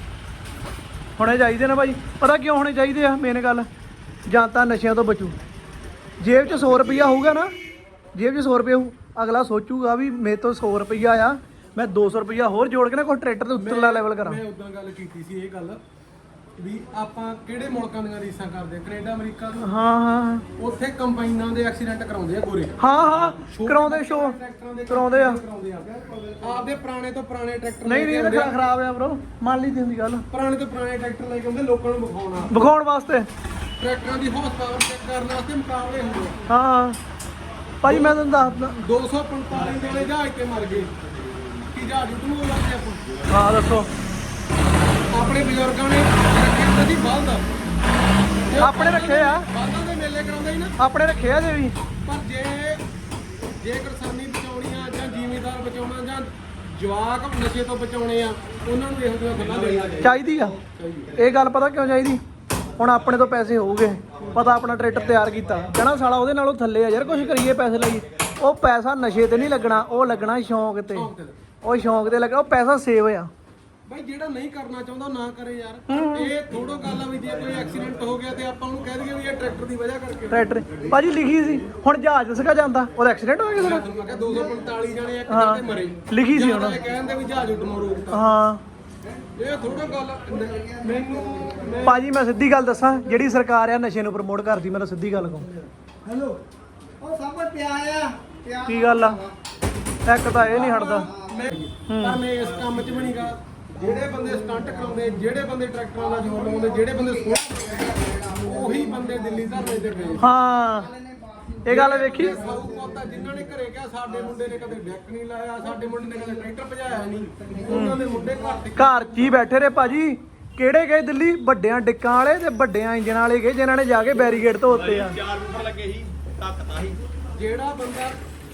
Speaker 1: ਹੋਣੇ ਚਾਹੀਦੇ ਨੇ ਭਾਈ ਪਤਾ ਕਿਉਂ ਹੋਣੇ ਚਾਹੀਦੇ ਆ ਮੇਨ ਗੱਲ ਜਾਂ ਤਾਂ ਨਸ਼ਿਆਂ ਤੋਂ ਬਚੂ ਜੇਬ 'ਚ ਸੌ ਰੁਪਈਆ ਹੋਊਗਾ ਨਾ ਜੇਬ 'ਚ ਸੌ ਰੁਪਏ ਹੋਊ ਅਗਲਾ ਸੋਚੂਗਾ ਵੀ ਮੇਰੇ ਤੋਂ ਸੌ ਰੁਪਈਆ ਆ ਮੈਂ ਦੋ ਸੌ ਰੁਪਈਆ ਹੋਰ ਜੋੜ ਕੇ ਨਾ ਕੋਈ ਟਰੈਕਟਰ ਦੇ ਉੱਤਰਲਾ ਲੈਵਲ ਕਰਾਂ
Speaker 5: ਮੈਂ ਉਦਾਂ ਗੱਲ ਕੀਤੀ ਸੀ ਇਹ ਗੱਲ ਵੀ ਆਪਾਂ ਕਿਹੜੇ ਮੁਲਕਾਂ ਦੀਆਂ ਰੀਸਾਂ ਕਰਦੇ ਕੈਨੇਡਾ ਅਮਰੀਕਾ ਤੋਂ
Speaker 1: ਹਾਂ ਹਾਂ
Speaker 5: ਉੱਥੇ ਕੰਬਾਈਨਾਂ ਦੇ ਐਕਸੀਡੈਂਟ ਕਰਾਉਂਦੇ ਆ ਗੋਰੇ
Speaker 1: ਹਾਂ ਹਾਂ ਕਰਾਉਂਦੇ ਸ਼ੋ ਕਰਾਉਂਦੇ ਆ
Speaker 5: ਕਰਾਉਂਦੇ ਆ ਆਪਦੇ ਪੁਰਾਣੇ ਤੋਂ ਪੁਰਾਣੇ ਟਰੈਕਟਰ
Speaker 1: ਨਹੀਂ ਨਹੀਂ ਇਹ ਖਰਾਬ ਆ ਬ్రో ਮੰਨ ਲਈ ਦੀ ਹੁੰਦੀ ਗੱਲ
Speaker 5: ਪੁਰਾਣੇ ਤੋਂ ਪੁਰਾਣੇ ਟਰੈਕਟਰ ਲੈ ਕੇ ਆਉਂਦੇ ਲੋਕਾਂ ਨੂੰ ਵਿਖਾਉਣਾ
Speaker 1: ਵਿਖਾਉਣ ਵਾਸਤੇ
Speaker 5: ਟਰੈਕਟਰਾਂ ਦੀ ਹਾਰਸ ਪਾਵਰ ਚੈੱਕ ਕਰਨ ਵਾਸਤੇ ਮੁਕਾਬਲੇ ਹੁੰਦੇ ਆ
Speaker 1: ਹਾਂ ਭਾਈ ਮੈਂ ਤੁਹਾਨੂੰ ਦੱਸਦਾ
Speaker 5: ਦੋ ਸੌ ਪੰਤਾਲੀ ਵਾਲੇ ਜਹਾਜ਼ ਤੇ ਮਰ ਗਏ ਕੀ ਜਹਾਜ਼ ਉੱਡੂ ਹੋ ਜਾਂਦੇ ਆਪਾਂ
Speaker 1: ਹਾਂ ਦੱਸੋ
Speaker 5: ਆਪਣੇ ਬਜ਼ੁਰਗਾਂ ਨੇ ਰੱਖੇ ਹੁੰਦੇ ਸੀ ਬਲਦ
Speaker 1: ਆਪਣੇ ਰੱਖੇ ਆ
Speaker 5: ਬਲਦਾਂ ਦੇ ਮੇਲੇ ਕਰਾਉਂਦੇ ਸੀ ਨਾ
Speaker 1: ਆਪਣੇ ਰੱਖੇ ਆ ਜੇ ਵੀ
Speaker 5: ਪਰ ਜੇ ਜੇ ਕਿਸਾਨੀ ਬਚਾਉਣੀ ਆ ਜਾਂ ਜ਼ਿਮੀਂਦਾਰ ਬਚਾਉਣਾ ਜਾਂ ਜਵਾਕ ਨਸ਼ੇ ਤੋਂ ਬਚਾਉਣੇ ਆ ਉਹਨਾਂ ਨੂੰ ਇਹੋ ਜਿਹੀਆਂ ਗੱਲਾਂ ਦੇਣੀਆਂ
Speaker 1: ਚਾਹੀਦੀ ਆ ਇਹ ਗੱਲ ਪਤਾ ਕਿਉਂ ਚਾਹੀਦੀ ਹੁਣ ਆਪਣੇ ਤੋਂ ਪੈਸੇ ਹੋਊਗੇ ਪਤਾ ਆਪਣਾ ਟਰੈਕਟਰ ਤਿਆਰ ਕੀਤਾ ਕਹਿਣਾ ਸਾਲਾ ਉਹਦੇ ਨਾਲੋਂ ਥੱਲੇ ਆ ਯਾਰ ਕੁਝ ਕਰੀਏ ਪੈਸੇ ਲਈ ਉਹ ਪੈਸਾ ਨਸ਼ੇ ਤੇ ਨਹੀਂ ਲੱਗਣਾ ਉਹ ਲੱਗਣਾ ਸ਼ੌਂਕ ਤੇ ਉਹ ਸ਼ੌਂਕ ਤੇ ਲੱਗਣਾ ਉਹ ਪੈਸਾ ਸੇਵ ਆ
Speaker 5: ਬਾਈ ਜਿਹੜਾ ਨਹੀਂ ਕਰਨਾ ਚਾਹੁੰਦਾ ਨਾ ਕਰੇ ਯਾਰ ਇਹ ਥੋੜੋ ਗੱਲ ਆ ਵੀ ਜੇ ਕੋਈ ਐਕਸੀਡੈਂਟ ਹੋ ਗਿਆ ਤੇ ਆਪਾਂ ਉਹਨੂੰ ਕਹਿ ਦਈਏ ਵੀ ਇਹ ਟਰੈਕਟਰ ਦੀ ਵਜ੍ਹਾ ਕਰਕੇ
Speaker 1: ਟਰੈਕਟਰ ਭਾਜੀ ਲਿਖੀ ਸੀ ਹੁਣ ਜਹਾਜ਼ ਸਕਾ ਜਾਂਦਾ ਉਹਦਾ ਐਕਸੀਡੈਂਟ ਹੋ ਗਿਆ ਕਿਸੇ ਦਾ
Speaker 5: ਮੈਂ ਕਿਹਾ ਦੋ ਸੌ ਪੰਤਾਲੀ ਜਣੇ ਇੱਕ ਜਗ੍ਹਾ ਤੇ ਮਰੇ
Speaker 1: ਲਿਖੀ ਸੀ ਉਹਨਾਂ
Speaker 5: ਕਹਿੰਦੇ ਵੀ ਜਹਾਜ਼ ਉੱਡਣੋਂ ਰੋਕਤਾ
Speaker 1: ਹਾਂ
Speaker 5: ਇਹ ਥੋੜਾ ਗੱਲ ਮੈਨੂੰ ਮੈਂ
Speaker 1: ਭਾਜੀ ਮੈਂ ਸਿੱਧੀ ਗੱਲ ਦੱਸਾਂ ਜਿਹੜੀ ਸਰਕਾਰ ਆ ਨਸ਼ੇ ਨੂੰ ਪ੍ਰਮੋਟ ਕਰਦੀ ਮੈਂ ਤਾਂ ਸਿੱਧੀ ਗੱਲ ਕਹੂੰ
Speaker 3: ਹੈਲੋ ਉਹ ਸਭ ਕੁਝ ਪਿਆ ਆ ਪਿਆ
Speaker 1: ਕੀ ਗੱਲ ਆ ਇੱਕ ਤਾਂ ਇਹ ਨਹੀਂ ਹਟਦਾ
Speaker 5: ਪਰ ਮੈਂ ਇਸ ਕੰਮ 'ਚ ਵੀ ਨਹੀਂਗਾ ਜਿਹੜੇ ਬੰਦੇ ਸਟੰਟ ਕਰਾਉਂਦੇ ਜਿਹੜੇ ਬੰਦੇ ਟਰੈਕਟਰਾਂ ਦਾ ਜ਼ੋਰ ਲਾਉਂਦੇ ਜਿਹੜੇ ਬੰਦੇ ਸੋਹ ਉਹੀ ਬੰਦੇ ਦਿੱਲੀ ਧਰਨੇ ਤੇ ਗਏ
Speaker 1: ਹਾਂ ਇਹ ਗੱਲ ਵੇਖੀ
Speaker 5: ਸਾਊ ਪੋਤਾ ਜਿਨ੍ਹਾਂ ਨੇ ਘਰੇ ਕਿਹਾ ਸਾਡੇ ਮੁੰਡੇ ਨੇ ਕਦੇ ਡੈਕ ਨਹੀਂ ਲਾਇਆ ਸਾਡੇ ਮੁੰਡੇ ਨੇ ਕਦੇ ਟਰੈਕਟਰ ਭਜਾਇਆ ਨਹੀਂ ਉਹਨਾਂ ਦੇ ਮੁੰਡੇ ਘਰ
Speaker 1: ਘਰ 'ਚ ਹੀ ਬੈਠੇ ਰਹੇ ਭਾਜੀ ਕਿਹੜੇ ਗਏ ਦਿੱਲੀ ਵੱਡਿਆਂ ਡਿੱਕਾਂ ਵਾਲੇ ਤੇ ਵੱਡਿਆਂ ਇੰਜਣ ਵਾਲੇ ਗਏ ਜਿਨ੍ਹਾਂ ਨੇ ਜਾ ਕੇ ਬੈਰੀਗੇਡ ਧੋਤੇ ਆ
Speaker 4: ਚਾਰ ਉੱਪਰ ਲੱਗੇ ਸੀ ਧੱਕਤਾ ਸੀ
Speaker 5: ਜਿਹੜਾ ਬੰਦਾ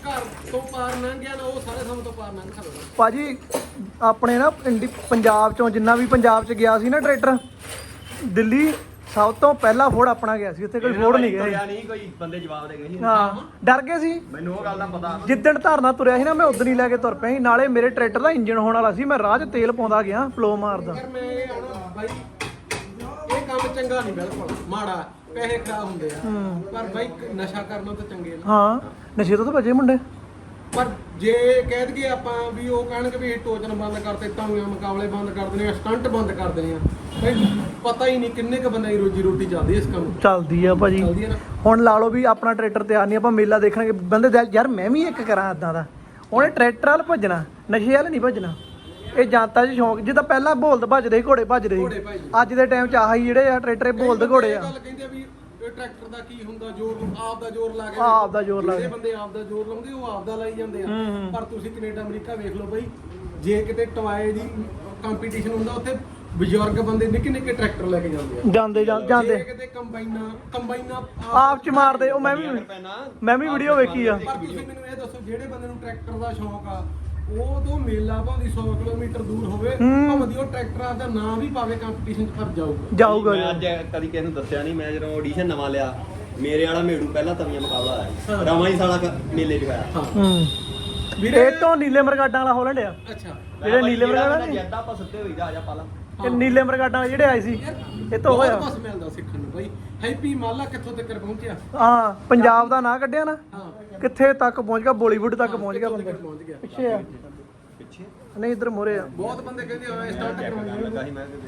Speaker 5: ਘਰ ਤੋਂ ਪਾਰ ਲੰਘ ਗਿਆ ਨਾ ਉਹ ਸਾਰੇ ਸਮੇਂ ਤੋਂ ਪਾਰ ਲੰਘ ਸਕਦਾ।
Speaker 1: ਭਾਜੀ ਆਪਣੇ ਨਾ ਇੰਡੀ ਪੰਜਾਬ ਚੋਂ ਜਿੰਨਾ ਵੀ ਪੰਜਾਬ ਚ ਗਿਆ ਸੀ ਨਾ ਟਰੈਕਟਰ, ਦਿੱਲੀ ਸਭ ਤੋਂ ਪਹਿਲਾ ਫੋੜ ਆਪਣਾ ਗਿਆ ਸੀ, ਉੱਥੇ ਕੋਈ ਫੋੜ ਨਹੀਂ ਗਿਆ
Speaker 4: ਤੁਰਿਆ ਨਹੀਂ, ਕੋਈ ਬੰਦੇ ਜਵਾਬ ਦੇ ਗਏ ਸੀ।
Speaker 1: ਹਾਂ ਡਰ ਗਏ ਸੀ।
Speaker 4: ਮੈਨੂੰ ਉਹ ਗੱਲ ਦਾ ਪਤਾ।
Speaker 1: ਜਿੱਦਣ ਧਰਨਾ ਤੁਰਿਆ ਸੀ ਨਾ ਮੈਂ ਉਦੋਂ ਹੀ ਲੈ ਕੇ ਤੁਰ ਪਿਆ ਸੀ। ਨਾਲੇ ਮੇਰੇ ਟਰੈਕਟਰ ਦਾ ਇੰਜਨ ਹੋਣ ਵਾਲਾ ਸੀ, ਮੈਂ ਰਾਹ 'ਚ ਤੇਲ ਪਾਉਂਦਾ ਗਿਆ ਫਲੋ ਮਾਰਦਾ।
Speaker 5: ਯਾਰ ਮੈਂ ਇਹ ਆਣਾ ਬਾਈ ਇਹ ਕੰਮ ਚੰਗਾ ਨਹੀਂ, ਬਿਲਕੁਲ ਮਾੜਾ, ਪੈਸੇ ਖਰਾਬ ਹੁੰਦੇ ਆ ਪਰ ਬਾਈ ਨਸ਼ਾ ਕਰਨਾ ਤਾਂ ਚੰਗੇ ਨਾ।
Speaker 1: ਹਾਂ ਨਸ਼ੇ ਤੋਂ ਤਾਂ ਭੱਜੇ ਮੁੰਡੇ।
Speaker 5: ਪਰ ਜੇ ਕਹਿ ਦਈਏ ਆਪਾਂ ਵੀ ਉਹ ਕਹਿਣਗੇ ਵੀ ਟੋਚਨ ਬੰਦ ਕਰਤੇ, ਤਾਂਗੇ ਮੁਕਾਬਲੇ ਬੰਦ ਕਰ ਦੇਣੇ ਆ, ਸਟੰਟ ਬੰਦ ਕਰ ਦੇਣੇ ਆ, ਬਈ ਪਤਾ ਹੀ ਨਹੀਂ ਕਿੰਨੇ ਕ ਬੰਦੇ ਦੀ ਰੋਜੀ ਰੋਟੀ ਚੱਲਦੀ ਇਸ ਕੰਮ
Speaker 1: ਚੱਲਦੀ ਆ ਭਾਜੀ।
Speaker 5: ਚੱਲਦੀ ਹੈ ਨਾ।
Speaker 1: ਹੁਣ ਲਾ ਲਓ ਵੀ ਆਪਣਾ ਟਰੈਕਟਰ ਤਿਆਰ ਨਹੀਂ, ਆਪਾਂ ਮੇਲਾ ਦੇਖਣਗੇ ਬੰਦੇ ਦਿਲ ਯਾਰ ਮੈਂ ਵੀ ਇੱਕ ਕਰਾਂ ਇਦਾਂ ਦਾ। ਉਹਨੇ ਟਰੈਕਟਰ ਵੱਲ ਭੱਜਣਾ, ਨਸ਼ੇ ਵੱਲ ਨਹੀਂ ਭੱਜਣਾ। ਇਹ ਜਨਤਾ 'ਚ ਸ਼ੌਂਕ, ਜਿੱਦਾਂ ਪਹਿਲਾਂ ਬੋਲਦ ਭੱਜਦੇ ਸੀ, ਘੋੜੇ ਭੱਜਦੇ
Speaker 5: ਘੋੜੇ
Speaker 1: ਸੀ,
Speaker 5: ਭੱਜਦੇ।
Speaker 1: ਅੱਜ ਦੇ ਟਾਈਮ 'ਚ ਆਹੀ ਜਿਹੜੇ ਆ ਟਰੈਕਟਰ ਇਹ ਬੋਲਦ ਘੋੜੇ ਆ।
Speaker 5: ਗੱਲ ਕਹਿੰਦੇ ਆ ਵੀ ਇਹ ਟਰੈਕਟਰ ਦਾ ਕੀ ਹੁੰਦਾ, ਜ਼ੋਰ ਆਪ ਦਾ ਜ਼ੋਰ ਲਾ ਕੇ
Speaker 1: ਆਪ ਦਾ ਜ਼ੋਰ ਲਾ ਕੇ।
Speaker 5: ਜਿਹੜੇ ਬੰਦੇ ਆਪ ਦਾ ਜ਼ੋਰ ਲਾਉਂਦੇ ਉਹ ਆਪ ਦਾ ਲਾਈ ਜਾਂਦੇ ਆ।
Speaker 1: ਹੂੰ।
Speaker 5: ਪਰ ਤੁਸੀਂ ਕੈਨੇਡਾ ਅਮਰੀਕਾ ਵੇਖ ਲਓ ਬਈ, ਜੇ ਕਿਤੇ ਟਵਾਏ ਦੀ ਕੰਪੀਟੀਸ਼ਨ ਹੁੰਦਾ ਉੱਥੇ ਬਜ਼ੁਰਗ ਬੰਦੇ ਨਿੱਕੇ ਨਿੱਕੇ ਟਰੈਕਟਰ ਲੈ ਕੇ ਜਾਂਦੇ ਆ।
Speaker 1: ਜਾਂਦੇ ਜਾਂ- ਜਾਂਦੇ
Speaker 5: ਜੇ ਕਿਤੇ ਕੰਬਾਈਨਾਂ ਕੰਬਾਈਨਾਂ
Speaker 1: ਆਪ 'ਚ ਮਾਰਦੇ। ਉਹ ਮੈਂ ਵੀ ਮੈਂ ਵੀ ਵੀਡੀਓ ਵੇਖੀ ਆ।
Speaker 5: ਪਰ ਤੁਸੀਂ ਮੈਨੂੰ ਇਹ ਦੱਸੋ, ਜਿਹੜੇ ਬੰਦੇ ਨੂੰ ਟਰੈਕਟਰ ਦਾ ਸ਼ੌਂਕ ਆ ਉਹ ਤੋਂ ਮੇਲਾ ਭਾਵੇਂ ਸੌ ਕਿਲੋਮੀਟਰ ਦੂਰ ਹੋਵੇ, ਭਾਵੇਂ ਦੀ ਉਹ ਟਰੈਕਟਰ ਦਾ ਨਾਂ ਵੀ ਪਾਵੇ ਕੰਪੀਟੀਸ਼ਨ 'ਚ, ਪਰ ਜਾਊਗਾ
Speaker 1: ਜਾਊਗਾ
Speaker 4: ਮੈਂ ਅੱਜ ਕਦੀ ਕਿਸੇ ਨੂੰ ਦੱਸਿਆ ਨਹੀਂ, ਮੈਂ ਜਦੋਂ ਆਡੀਸ਼ਨ ਨਵਾਂ ਲਿਆ ਮੇਰੇ ਵਾਲਾ ਮੇੜੂ ਪਹਿਲਾਂ ਤਵੀਆਂ ਮੁਕਾਬਲਾ ਆਇਆ ਸੀ, ਰਵਾਂ ਹੀ ਸਾਲਾ ਕ- ਮੇਲੇ 'ਚ ਹੋਇਆ।
Speaker 1: ਹੂੰ
Speaker 5: ਵੀਰੇ
Speaker 1: ਇਹ ਤੋਂ ਨੀਲੇ ਮਰਗਾਡਾਂ ਵਾਲਾ ਹੋਲੈਂਡ ਆ।
Speaker 5: ਅੱਛਾ
Speaker 1: ਜਿਹੜੇ ਨੀਲੇ ਮਰਗਾਡਾਂ ਨੇ,
Speaker 4: ਜੱਦਾ ਆਪਾਂ ਸੁੱਤੇ ਹੋਈ ਦਾ ਆ ਜਾ ਪਾਲਾ।
Speaker 1: ਇਹ ਨੀਲੇ ਮਰਗਾਡਾਂ ਵਾਲੇ ਜਿਹੜੇ ਆਏ ਸੀ ਇਹ ਤੋਂ ਹੋਇਆ।
Speaker 5: ਬਹੁਤ ਕੁਛ ਮਿਲਦਾ ਸਿੱਖਣ ਨੂੰ ਬਾਈ। ਹੈਪੀ ਮਾਲਾ ਕਿੱਥੋਂ ਤੱਕ ਪਹੁੰਚਿਆ?
Speaker 1: ਹਾਂ ਪੰਜਾਬ ਦਾ ਨਾਂ ਕੱਢਿਆ ਨਾ,
Speaker 5: ਹਾਂ
Speaker 1: ਕਿੱਥੇ ਤੱਕ ਪਹੁੰਚ ਗਿਆ, ਬਾਲੀਵੁੱਡ ਤੱਕ ਪਹੁੰਚ ਗਿਆ ਬੰਦਾ।
Speaker 5: ਪਹੁੰਚ ਗਿਆ।
Speaker 1: ਪਿੱਛੇ ਆ
Speaker 4: ਪਿੱਛੇ
Speaker 1: ਨਹੀਂ ਇੱਧਰ ਮੋਰੇ ਆ।
Speaker 5: ਬਹੁਤ ਬੰਦੇ ਕਹਿੰਦੇ ਆ ਸਟਾਰਟ ਕਰਵਾਉਣੀ
Speaker 4: ਲੱਗਾ ਸੀ ਮੈਂ ਕਿਤੇ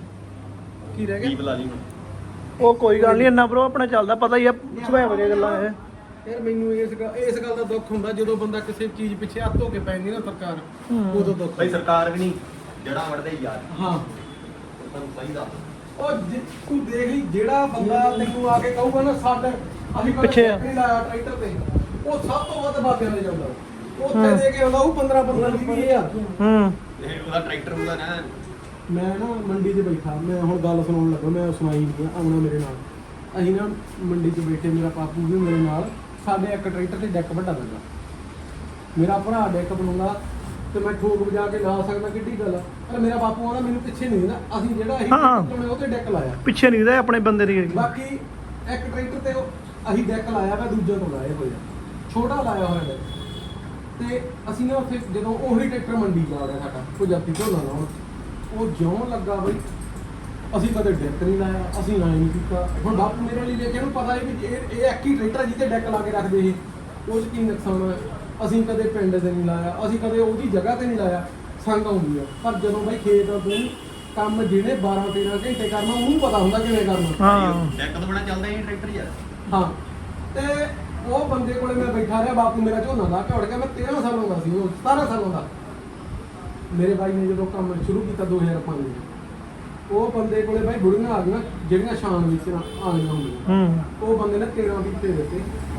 Speaker 5: ਕੀ ਰਹਿ
Speaker 4: ਕੀ
Speaker 5: ਗਿਆ?
Speaker 4: ਬੁਲਾ ਲਈ ਹੁਣ।
Speaker 1: ਉਹ ਕੋਈ ਗੱਲ ਨਹੀਂ, ਇੰਨਾ ਬਰੋ ਆਪਣਾ ਚੱਲਦਾ, ਪਤਾ ਹੀ ਆ ਸੁਭਾਅ ਵਰਗੀਆਂ ਗੱਲਾਂ ਇਹ।
Speaker 5: ਯਾਰ ਮੈਨੂੰ ਇਸ ਗੱਲ ਇਸ ਗੱਲ ਦਾ ਦੁੱਖ ਹੁੰਦਾ ਜਦੋਂ ਬੰਦਾ ਕਿਸੇ ਚੀਜ਼ ਪਿੱਛੇ ਹੱਥ ਧੋ ਕੇ ਪੈਂਦੀ ਨਾ ਸਰਕਾਰ, ਉਦੋਂ ਦੁੱਖ
Speaker 4: ਬਈ ਸਰਕਾਰ ਵੀ ਨਹੀਂ ਜੜਾ ਵੜਦੇ ਯਾਰ,
Speaker 5: ਹਾਂ
Speaker 4: ਤੁਹਾਨੂੰ ਸਹੀ ਦੱਸ।
Speaker 5: ਉਹ ਜੇ ਤੂੰ ਦੇਖ ਲਈ ਜਿਹੜਾ ਬੰਦਾ ਤੈਨੂੰ ਆ ਕੇ ਕਹੂਗਾ ਨਾ ਸਾਡੇ ਅਸੀਂ ਕਦੇ
Speaker 1: ਪਿੱਛੇ ਆ।
Speaker 5: ਨਹੀਂ ਲਾਇਆ ਟਰੈਕਟਰ ਤੇ, ਉਹ ਸਭ ਤੋਂ ਵੱਧ ਬਾਬਿਆਂ ਦੇ ਜਾਂਦਾ। ਉੱਥੇ ਦੇ ਕੇ ਆਉਂਦਾ ਉਹ ਪੰਦਰਾਂ ਪੰਦਰਾਂ ਵੀਹ ਹਜ਼ਾਰ।
Speaker 1: ਹੂੰ
Speaker 4: ਇਹ ਉਹਦਾ ਟਰੈਕਟਰ ਹੁੰਦਾ ਨਾ।
Speaker 5: ਮੈਂ ਨਾ ਮੰਡੀ 'ਚ ਬੈਠਾ, ਮੈਂ ਹੁਣ ਗੱਲ ਸੁਣਾਉਣ ਲੱਗਾ, ਮੈਂ ਸੁਣਾਈ ਨਹੀਂ ਆਉਣਾ ਮੇਰੇ ਨਾਲ। ਅਸੀਂ ਨਾ ਮੰਡੀ 'ਚ ਬੈਠੇ, ਮੇਰਾ ਪਾਪੂ ਵੀ ਮੇਰੇ ਨਾਲ, ਸਾਡੇ ਇੱਕ ਟਰੈਕਟਰ ਤੇ ਡੈਕ ਵੱਡਾ ਲੱਗਾ। ਮੇਰਾ ਭਰਾ ਡੈਕ ਬਣਾਉਂਦਾ ਤੇ ਮੈਂ ਠੋਕ ਵਜਾ ਕੇ ਲਾ ਸਕਦਾ, ਕਿੱਡੀ ਗੱਲ ਆ। ਪਰ ਮੇਰਾ ਬਾਪੂ ਆਉਂਦਾ ਮੈਨੂੰ ਪਿੱਛੇ ਨਹੀਂ ਦਿੰਦਾ, ਅਸੀਂ ਜਿਹੜਾ ਅਸੀਂ
Speaker 1: ਹਾਂ।
Speaker 5: ਟਰੈਕਟਰ ਉਹ ਤੇ ਡੈਕ ਲਾਇਆ।
Speaker 1: ਪਿੱਛੇ ਨਹੀਂ ਦੇ ਆਪਣੇ ਬੰਦੇ ਦੀ।
Speaker 5: ਬਾਕੀ ਇੱਕ ਟਰੈਕਟਰ ਤੇ ਉਹ ਅਸੀਂ ਡੈਕ ਲਾਇਆ ਵਾ, ਦੂਜੇ ਤੋਂ ਲਾਇਆ ਹੋਇਆ ਛੋਟਾ ਲਾਇਆ ਹੋਇਆ ਡੈਕ। ਤੇ ਅਸੀਂ ਨਾ ਉੱਥੇ ਜਦੋਂ ਉਹੀ ਟਰੈਕਟਰ ਮੰਡੀ ਜਾ ਰਿਹਾ ਸਾਡਾ ਪੰਜਾਬੀ ਝੋਨਾ ਲਾਉਣ, ਉਹ ਜਿਉਂ ਲੱਗਾ ਬਈ ਅਸੀਂ ਕਦੇ ਡੈਕ ਨਹੀਂ ਲਾਇਆ, ਅਸੀਂ ਲਾਇਆ ਨਹੀਂ ਕੀਤਾ। ਹੁਣ ਬਾਪੂ ਮੇਰੇ ਲਈ ਵੇਖਿਆ, ਨੂੰ ਪਤਾ ਹੈ ਵੀ ਇਹ ਇਹ ਇੱਕ ਹੀ ਟਰੈਕਟਰ ਜਿਹਤੇ ਡੈਕ ਲਾ ਕੇ ਰੱਖਦੇ ਸੀ, ਉਹ 'ਚ ਕੀ ਨੁਕਸਾਨ ਹੈ। ਅਸੀਂ ਕਦੇ ਪਿੰਡ ਤੇ ਨਹੀਂ ਲਾਇਆ, ਅਸੀਂ ਕਦੇ ਉਹਦੀ ਜਗ੍ਹਾ ਤੇ ਨਹੀਂ ਲਾਇਆ, ਸੰਗ ਆਉਂਦੀ ਆ। ਪਰ ਜਦੋਂ ਬਾਈ ਖੇਤ ਤੋਂ ਕੰਮ ਜਿਹਨੇ ਬਾਰਾਂ ਤੇਰਾਂ ਘੰਟੇ ਕਰਨਾ ਉਹਨੂੰ ਪਤਾ ਹੁੰਦਾ ਕਿਵੇਂ ਕਰਨਾ।
Speaker 1: ਹਾਂ
Speaker 4: ਡੈਕ ਤੋਂ ਬਣਾ ਚੱਲਦਾ ਹੀ ਟਰੈਕਟਰ ਯਾਰ।
Speaker 5: ਹਾਂ ਤੇ ਉਹ ਬੰਦੇ ਕੋਲੇ ਮੈਂ ਬੈਠਾ ਰਿਹਾ, ਬਾਪੂ ਮੇਰਾ ਝੋਨਾ ਲਾ ਕੇ ਉੜ ਗਿਆ। ਮੈਂ ਤੇਰਾਂ ਸਾਲਾਂ ਦਾ ਸੀ, ਉਹ ਸਤਾਰਾਂ ਸਾਲਾਂ ਦਾ। ਮੇਰੇ ਬਾਈ ਨੇ ਜਦੋਂ ਕੰਮ ਸ਼ੁਰੂ ਕੀਤਾ ਦੋ ਹਜ਼ਾਰ ਪੰਜ ਵਿੱਚ, ਉਹ ਬੰਦੇ ਕੋਲੇ ਬਾਈ ਬੁੜੀਆਂ ਆ ਗਈਆਂ ਜਿਹੜੀਆਂ ਸ਼ਾਨ ਵਿੱਚ ਆ ਗਈਆਂ ਹੁੰਦੀਆਂ।
Speaker 1: ਹੂੰ
Speaker 5: ਉਹ ਬੰਦੇ ਨੇ ਤੇਰਾਂ ਦਿੱਤੇ ਦਿੱਤੇ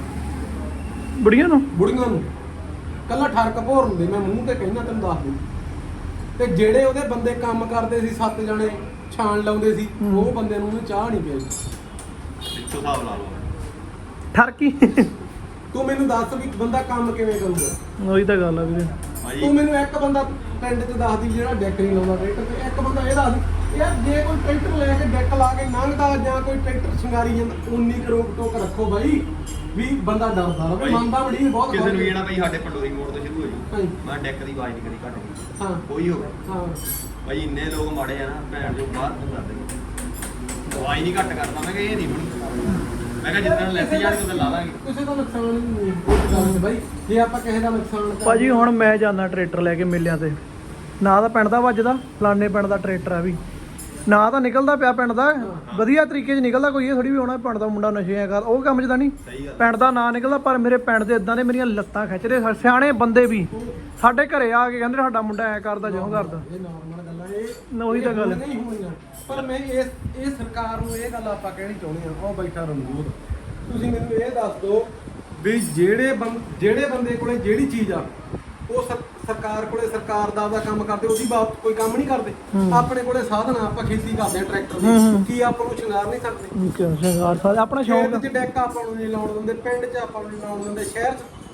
Speaker 1: ਬੁੜੀਆਂ ਨੂੰ।
Speaker 5: ਬੁੜੀਆਂ ਨੂੰ ਕੱਲਾ ਠਰਕ ਭੋਰ ਹੁੰਦੇ, ਮੈਂ ਮੂੰਹ ਤੇ ਕਹਿਣਾ ਤੈਨੂੰ ਦੱਸ ਦੂੰ। ਤੇ ਜਿਹੜੇ ਉਹਦੇ ਬੰਦੇ ਕੰਮ ਕਰਦੇ ਸੀ, ਸੱਤ ਜਣੇ ਛਾਣ ਲਾਉਂਦੇ ਸੀ, ਉਹ ਬੰਦੇ ਨੂੰ ਉਹਨੇ ਚਾਹ ਨਹੀਂ ਪਿਆਈ।
Speaker 4: ਪਿੱਛੋਂ ਹਿਸਾਬ ਲਾ ਲਓ।
Speaker 1: ਠਰਕੀ।
Speaker 5: ਤੂੰ ਮੈਨੂੰ ਦੱਸ ਵੀ ਬੰਦਾ ਕੰਮ ਕਿਵੇਂ ਕਰੂਗਾ?
Speaker 1: ਉਹੀ ਤਾਂ ਗੱਲ ਆ ਵੀਰੇ।
Speaker 4: ਭਾਈ
Speaker 5: ਤੂੰ ਮੈਨੂੰ ਇੱਕ ਬੰਦਾ ਪਿੰਡ 'ਚ ਦੱਸ ਦੀ ਜਿਹੜਾ ਡੈਕ ਨਹੀਂ ਲਾਉਂਦਾ ਟਰੈਕਟਰ ਤੇ, ਇੱਕ ਬੰਦਾ ਇਹ ਦੱਸ ਦੀ ਯਾਰ ਜੇ ਕੋਈ ਟਰੈਕਟਰ ਲੈ ਕੇ ਡੈਕ ਲਾ ਕੇ ਲੰਘਦਾ ਜਾਂ ਕੋਈ ਟਰੈਕਟਰ ਸ਼ਿੰਗਾਰੀ ਜਾਂਦਾ, ਉਨੀ ਕਰੋਕ ਟੋਕ ਰੱਖੋ ਬਾਈ ਵੀ ਬੰਦਾ ਡਰਦਾ ਰਹੇ। ਮੰਨਦਾ ਬੜੀ ਬਹੁਤ
Speaker 4: ਕਿਸੇ ਨੂੰ ਵੀ ਨਾ ਭਾਈ ਸਾਡੇ ਪੰਡੋਰੀ ਮੋੜ ਤੋਂ ਸ਼ੁਰੂ ਹੋ ਜੂ,
Speaker 5: ਹਾਂਜੀ।
Speaker 4: ਮੈਂ ਡੈਕ ਦੀ ਆਵਾਜ਼ ਨਹੀਂ ਕਦੀ ਘੱਟ ਗਈ,
Speaker 5: ਹਾਂ
Speaker 4: ਕੋਈ ਹੋਵੇ।
Speaker 5: ਹਾਂ
Speaker 4: ਭਾਈ ਇੰਨੇ ਲੋਕ ਮਾੜੇ ਆ ਨਾ, ਭੈਣ ਜੋ ਬਾਹਰ ਤੋਂ ਕਰਦੇ ਆਵਾਜ਼ ਨਹੀਂ ਘੱਟ ਕਰਦਾ। ਮੈਂ ਕਿਹਾ ਇਹ ਨਹੀਂ ਬਣੀ, ਮੈਂ ਕਿਹਾ ਜਿੱਦਾਂ ਲੈਸੀ ਜਾਣੀ ਉਦੋਂ ਲਾ ਲਾਂਗੇ।
Speaker 5: ਕਿਸੇ ਦਾ ਨੁਕਸਾਨ ਨਹੀਂ ਇਸ ਗੱਲ 'ਚ ਬਾਈ, ਜੇ ਆਪਾਂ ਕਿਸੇ ਦਾ ਨੁਕਸਾਨ ਕਰ
Speaker 1: ਭਾਜੀ ਹੁਣ ਮੈਂ ਜਾਂਦਾ ਟਰੈਕਟਰ ਲੈ ਕੇ ਮੇਲਿਆਂ ਤੇ, ਨਾ ਤਾਂ ਪਿੰਡ ਦਾ ਵੱਜਦਾ, ਫਲਾਣੇ ਪਿੰਡ ਦਾ ਟਰੈਕਟਰ ਆ ਵੀ, ਨਾ ਤਾਂ ਨਿਕਲਦਾ ਪਿਆ ਪਿੰਡ ਦਾ ਵਧੀਆ ਤਰੀਕੇ 'ਚ ਨਿਕਲਦਾ। ਕੋਈ ਇਹ ਥੋੜੀ ਵੀ ਹੋਣਾ ਪਿੰਡ ਦਾ ਮੁੰਡਾ ਨਸ਼ੇ ਕਰ, ਉਹ ਕੰਮ 'ਚ ਤਾਂ ਨਹੀਂ
Speaker 4: ਸਹੀ ਗੱਲ।
Speaker 1: ਪਿੰਡ ਦਾ ਨਾਂ ਨਿਕਲਦਾ। ਪਰ ਮੇਰੇ ਪਿੰਡ ਦੇ ਇਦਾਂ ਦੇ ਮੇਰੀਆਂ ਲੱਤਾਂ ਖਿੱਚਦੇ ਸਿਆਣੇ ਬੰਦੇ ਵੀ ਸਾਡੇ ਘਰੇ ਆ ਕੇ ਕਹਿੰਦੇ ਸਾਡਾ ਮੁੰਡਾ ਐ ਕਰਦਾ ਜਿਉਂ ਕਰਦਾ।
Speaker 5: ਇਹ ਨਾਰਮਲ ਗੱਲਾਂ, ਇਹ
Speaker 1: ਉਹੀ ਤਾਂ ਗੱਲ।
Speaker 5: ਨਹੀਂ ਹੋਣੀਆਂ। ਪਰ ਮੈਂ ਇਸ ਇਹ ਸਰਕਾਰ ਨੂੰ ਇਹ ਗੱਲ ਆਪਾਂ ਕਹਿਣੀ ਚਾਹੁੰਦੇ ਹਾਂ। ਉਹ ਬੈਠਾ ਰਣਜੋਤ, ਤੁਸੀਂ ਮੈਨੂੰ ਇਹ ਦੱਸ ਦਿਓ ਵੀ ਜਿਹੜੇ ਬੰਦ ਜਿਹੜੇ ਬੰਦੇ ਕੋਲੇ ਜਿਹੜੀ ਚੀਜ਼ ਆ, ਉਹ ਸਰ- ਸਰਕਾਰ ਕੋਲੇ ਸਰਕਾਰ ਦਾ ਆਪਦਾ ਕੰਮ ਕਰਦੇ, ਉਹਦੀ ਬਾਤ ਕੋਈ ਕੰਮ ਨਹੀਂ ਕਰਦੇ। ਆਪਣੇ ਕੋਲੇ ਸਾਧਨ ਆ, ਆਪਾਂ ਖੇਤੀ ਕਰਦੇ ਆ ਟਰੈਕਟਰ ਦੀ, ਕੀ ਆਪਾਂ ਨੂੰ ਸ਼ਿੰਗਾਰ ਨਹੀਂ ਸਕਦੇ?
Speaker 1: ਸ਼ਿੰਗਾਰ ਸਾਰੇ ਆਪਣਾ ਸ਼ੌਂਕ
Speaker 5: ਖੇਤ 'ਚ ਡੈਕ ਆਪਾਂ ਨੂੰ ਨਹੀਂ ਲਾਉਣ ਦਿੰਦੇ, ਪਿੰਡ 'ਚ ਆਪਾਂ ਨੂੰ ਨਹੀਂ ਲਾਉਣ ਦਿੰਦੇ, ਸ਼ਹਿਰ 'ਚ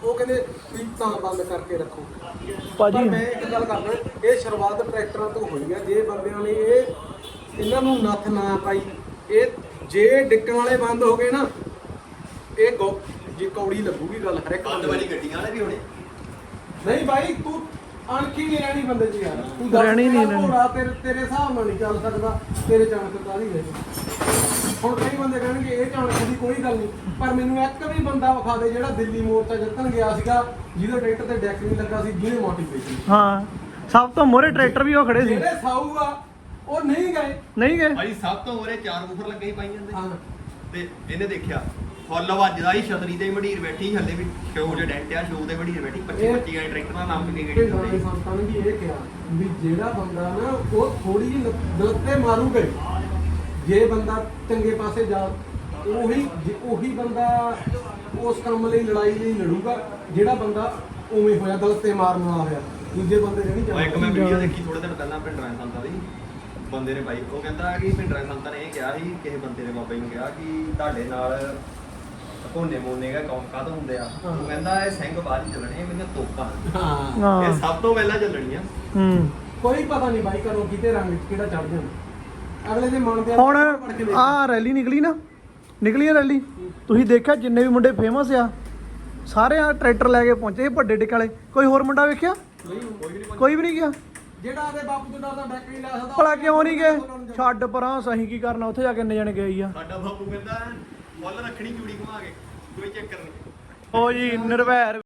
Speaker 5: ਉਹ ਕਹਿੰਦੇ ਵੀ ਤਾਂ ਬੰਦ ਕਰਕੇ ਰੱਖੋ।
Speaker 1: ਭਾਜੀ
Speaker 5: ਪਰ ਮੈਂ ਇੱਕ ਗੱਲ ਕਰਦਾ, ਇਹ ਸ਼ੁਰੂਆਤ ਟਰੈਕਟਰਾਂ ਤੋਂ ਹੋਈ ਹੈ। ਜੇ ਬੰਦਿਆਂ ਨੇ ਇਹ ਇਹਨਾਂ ਨੂੰ ਨੱਥ ਨਾ ਪਾਈ, ਇਹ ਜੇ ਡਿੱਕਣ ਵਾਲੇ ਬੰਦ ਹੋ ਗਏ ਨਾ, ਇਹ ਗੋ ਜੇ ਕੌੜੀ ਲੱਗੂਗੀ ਗੱਲ ਹਰ ਇੱਕ
Speaker 4: ਬੰਦ
Speaker 5: ਬੰਦੇ
Speaker 4: ਵਾਲੀ
Speaker 5: ਦੀ।
Speaker 4: ਗੱਡੀਆਂ ਵਾਲੇ ਵੀ ਹੋਣੇ।
Speaker 5: ਨਹੀਂ ਬਾਈ ਤੂੰ ਅਣਖੀ ਨਹੀਂ ਰਹਿਣੀ ਬੰਦੇ 'ਚ ਯਾਰ, ਤੂੰ
Speaker 1: ਰਹਿਣੀ ਨਹੀਂ ਰਹਿਣੀ।
Speaker 5: ਘੋੜਾ ਤੇਰੇ ਤੇਰੇ ਹਿਸਾਬ ਨਾਲ ਨਹੀਂ ਚੱਲ ਸਕਦਾ, ਤੇਰੇ ਚਾਣਕ ਕਾਹਦੀ ਹੈ। ਹੁਣ ਕਈ ਬੰਦੇ ਕਹਿਣਗੇ ਇਹ ਚਾਣਕ ਦੀ ਕੋਈ ਗੱਲ ਨਹੀਂ, ਪਰ ਮੈਨੂੰ ਇੱਕ ਵੀ ਬੰਦਾ ਵਿਖਾ ਦੇ ਜਿਹੜਾ ਦਿੱਲੀ ਮੋਰਚਾ ਜਿੱਤਣ ਗਿਆ ਸੀਗਾ, ਜਿਹਦੇ ਟਰੈਕਟਰ ਤੇ ਡੈਕ ਨਹੀਂ ਲੱਗਾ ਸੀ, ਜਿਹਨੇ ਮੋਟੀਵੇਸ਼ਨ।
Speaker 1: ਹਾਂ ਸਭ ਤੋਂ ਮੋਹਰੇ ਟਰੈਕਟਰ ਵੀ ਉਹ ਖੜੇ ਸੀ।
Speaker 5: ਜਿਹੜੇ ਸਾਊ ਆ ਉਹ ਨਹੀਂ ਗਏ।
Speaker 1: ਨਹੀਂ ਗਏ
Speaker 4: ਭਾਈ ਸਭ ਤੋਂ ਉਹਰੇ ਚਾਰ ਬੂਫਰ ਲੱਗੇ ਹੀ ਪਾਈ ਜਾਂਦੇ
Speaker 5: ਹਾਂ
Speaker 4: ਤੇ ਇਹਨੇ ਦੇਖਿਆ ਫੁੱਲ ਵੱਜਦਾ ਹੀ ਛਤਰੀ ਤੇ ਮਢੀਰ ਬੈਠੀ, ਹੱਲੇ ਵੀ ਸ਼ੋਅ ਜੇ ਡੈਂਟ ਆ, ਸ਼ੋਅ ਤੇ ਮਢੀਰ ਬੈਠੀ ਪੱਚੀ
Speaker 5: ਇਹ-
Speaker 4: ਪੱਚੀ ਵਾਲੇ ਟਰੈਕਟਰ ਦਾ ਨਾਮ ਕਿੰਨੀ
Speaker 5: ਤੇ ਨਾਲੇ
Speaker 4: ਗੱਡੀ
Speaker 5: ਸੰਤਾਂ ਨੇ ਵੀ ਇਹ ਕਿਹਾ ਵੀ ਜਿਹੜਾ ਬੰਦਾ ਨਾ ਉਹ ਥੋੜੀ ਜਿਹੀ ਗਲਤੇ ਮਾਰੂਗਾ ਹੀ। ਜੇ ਬੰਦਾ ਚੰਗੇ ਪਾਸੇ ਜਾ, ਉਹੀ ਜੇ ਉਹੀ ਬੰਦਾ ਉਸ ਕੰਮ ਲਈ ਲੜਾਈ ਲਈ ਲੜੂਗਾ ਜਿਹੜਾ ਬੰਦਾ ਉਵੇਂ ਹੋਇਆ ਗਲਤੇ ਮਾਰਨ ਵਾਲਾ ਹੋਇਆ। ਦੂਜੇ ਬੰਦੇ ਨੇ ਨਹੀਂ
Speaker 4: ਉਹ ਇੱਕ ਮੈਂ
Speaker 5: ਜਾਣਾ।
Speaker 4: ਵੀਡੀਓ ਦੇਖੀ ਥੋੜੇ ਦਿਨ ਪਹਿਲਾਂ ਭਿੰਡਰਾਂ ਸੰਤਾਂ ਦੀ, ਬੰਦੇ ਨੇ ਬਾਈ ਉਹ ਕਹਿੰਦਾ ਕਿ ਭਿੰਡਰਾਂ ਸੰਤਾਂ ਨੇ ਇਹ ਕਿਹਾ ਸੀ, ਕਿਸੇ ਬੰਦੇ ਨੇ ਬਾਬਾ ਜੀ ਨੂੰ ਕਿਹਾ ਕਿ ਤੁਹਾਡੇ ਨਾਲ ਕੋਨੇ ਮੋਨੇ ਦਾ ਕੌਮ ਕਾਹਦ ਹੁੰਦੇ ਆ। ਉਹ ਕਹਿੰਦਾ ਇਹ ਸਿੰਘ ਬਾਅਦ ਹੀ ਚੱਲਣੇ, ਮੈਨੂੰ ਤੋਪਾਂ
Speaker 5: ਹਾਂ
Speaker 1: ਹਾਂ
Speaker 4: ਇਹ ਸਭ ਤੋਂ ਪਹਿਲਾਂ ਚੱਲਣੀਆਂ।
Speaker 1: ਹੂੰ
Speaker 5: ਕੋਈ ਪਤਾ ਨਹੀਂ ਬਾਈ ਕਦੋਂ ਕਿਤੇ ਰੰਗ ਕਿਹੜਾ ਚੜ ਜਾਣਾ ਅਗਲੇ ਦੇ ਮਨ ਦੇ
Speaker 1: ਹੁਣ
Speaker 5: ਪੜ ਕੇ ਦੇਖ।
Speaker 1: ਆਹ ਰੈਲੀ ਨਿਕਲੀ ਨਾ, ਨਿਕਲੀ ਆ ਰੈਲੀ, ਤੁਸੀਂ ਦੇਖਿਆ ਜਿੰਨੇ ਵੀ ਮੁੰਡੇ ਫੇਮਸ ਆ ਸਾਰੇ ਆ ਟਰੈਕਟਰ ਲੈ ਕੇ ਪਹੁੰਚੇ ਵੱਡੇ ਡਿੱਕ ਵਾਲੇ। ਕੋਈ ਹੋਰ ਮੁੰਡਾ ਵੇਖਿਆ? ਕੋਈ ਵੀ ਨਹੀਂ ਗਿਆ।
Speaker 5: ਜਿਹੜਾ ਆਦੇ ਬਾਪੂ ਤੋਂ ਡਰਦਾ ਡੈਕ ਨਹੀਂ ਲੈ ਸਕਦਾ,
Speaker 1: ਭਲਾ ਕਿਉਂ ਨਹੀਂ ਗਏ? ਛੱਡ ਪਰਾਂ, ਸਹੀ ਕੀ ਕਰਨਾ ਉੱਥੇ ਜਾ ਕੇ ਇੰਨੇ ਜਣੇ ਗਏ ਆ।
Speaker 4: ਸਾਡਾ ਬਾਪੂ ਕਹਿੰਦਾ ਫੁੱਲ ਰੱਖਣੀ ਚੂੜੀ ਘੁਮਾ ਕੇ, ਕੋਈ ਚੱਕਰ ਨਹੀਂ।
Speaker 1: ਉਹ ਜੀ ਨਿਰਵੈਰ